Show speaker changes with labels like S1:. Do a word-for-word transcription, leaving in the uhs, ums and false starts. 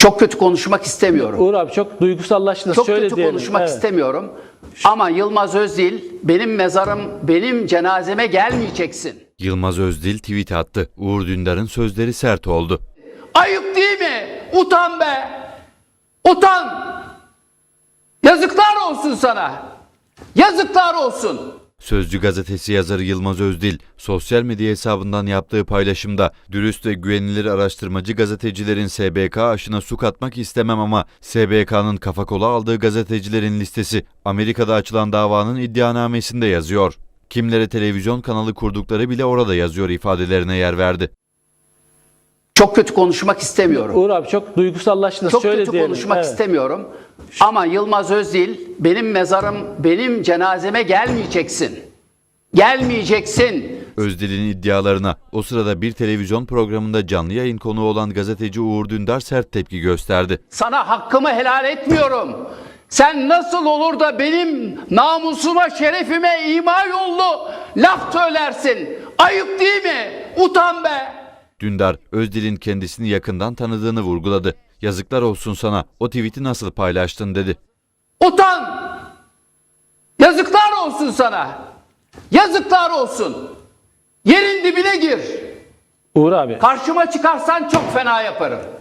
S1: Çok kötü konuşmak istemiyorum.
S2: Uğur abi çok duygusallaştınız.
S1: Çok
S2: Şöyle
S1: kötü
S2: diyelim.
S1: konuşmak
S2: Evet.
S1: istemiyorum. Ama Yılmaz Özdil, benim mezarım, benim cenazeme gelmeyeceksin.
S3: Yılmaz Özdil tweet attı. Uğur Dündar'ın sözleri sert oldu.
S1: Ayıp değil mi? Utan be! Utan! Yazıklar olsun sana! Yazıklar olsun!
S3: Sözcü gazetesi yazarı Yılmaz Özdil, sosyal medya hesabından yaptığı paylaşımda dürüst ve güvenilir araştırmacı gazetecilerin S B K aşına su katmak istemem ama S B K'nın kafa kola aldığı gazetecilerin listesi Amerika'da açılan davanın iddianamesinde yazıyor. Kimlere televizyon kanalı kurdukları bile orada yazıyor ifadelerine yer verdi.
S1: Çok kötü konuşmak istemiyorum.
S2: Uğur abi çok duygusallaştınız.
S1: Çok
S2: Şöyle
S1: kötü
S2: diyelim.
S1: konuşmak
S2: Evet.
S1: istemiyorum. Ama Yılmaz Özdil, benim mezarım, benim cenazeme gelmeyeceksin. Gelmeyeceksin.
S3: Özdil'in iddialarına o sırada bir televizyon programında canlı yayın konuğu olan gazeteci Uğur Dündar sert tepki gösterdi.
S1: Sana hakkımı helal etmiyorum. Sen nasıl olur da benim namusuma, şerefime ima yollu laf söylersin? Ayıp değil mi? Utan be!
S3: Dündar, Özdil'in kendisini yakından tanıdığını vurguladı. Yazıklar olsun sana, o tweet'i nasıl paylaştın dedi.
S1: Utan! Yazıklar olsun sana! Yazıklar olsun! Yerin dibine gir!
S2: Uğur abi.
S1: Karşıma çıkarsan çok fena yaparım.